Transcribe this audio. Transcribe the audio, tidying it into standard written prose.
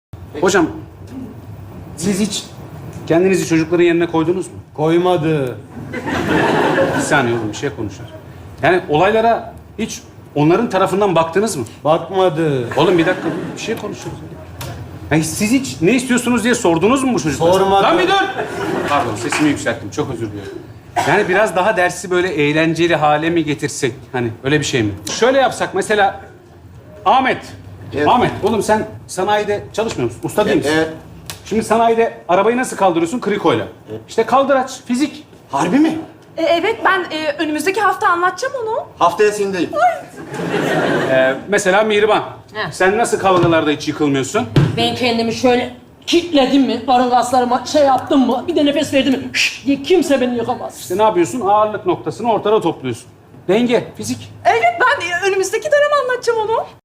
Hocam, siz hiç kendinizi çocukların yerine koydunuz mu? Koymadı. Bir saniye oğlum, bir şey konuşuyoruz. Yani olaylara hiç onların tarafından baktınız mı? Bakmadı. Oğlum bir dakika, bir şey konuşuyoruz. Yani siz hiç ne istiyorsunuz diye sordunuz mu bu çocuklara? Sormadı. Lan bir dur! Pardon, sesimi yükselttim. Çok özür diliyorum. Yani biraz daha dersi böyle eğlenceli hale mi getirsek? Hani öyle bir şey mi? Şöyle yapsak mesela... Ahmet. Evet. Ahmet, oğlum sen sanayide çalışmıyor musun? Usta değil misin? Evet. Şimdi sanayide arabayı nasıl kaldırıyorsun? Krikoyla. İşte kaldıraç, fizik. Harbi mi? Evet, ben önümüzdeki hafta anlatacağım onu. Haftaya sendeyim. Mesela Mihriban. He. Sen nasıl kavgalarda hiç yıkılmıyorsun? Ben kendimi şöyle kitledim mi, karın kaslarıma şey yaptım mı, bir de nefes verdim mi, şşş diye kimse beni yıkamaz. İşte ne yapıyorsun? Ağırlık noktasını ortada topluyorsun. Denge, fizik. Evet, ben önümüzdeki dönem anlatacağım onu.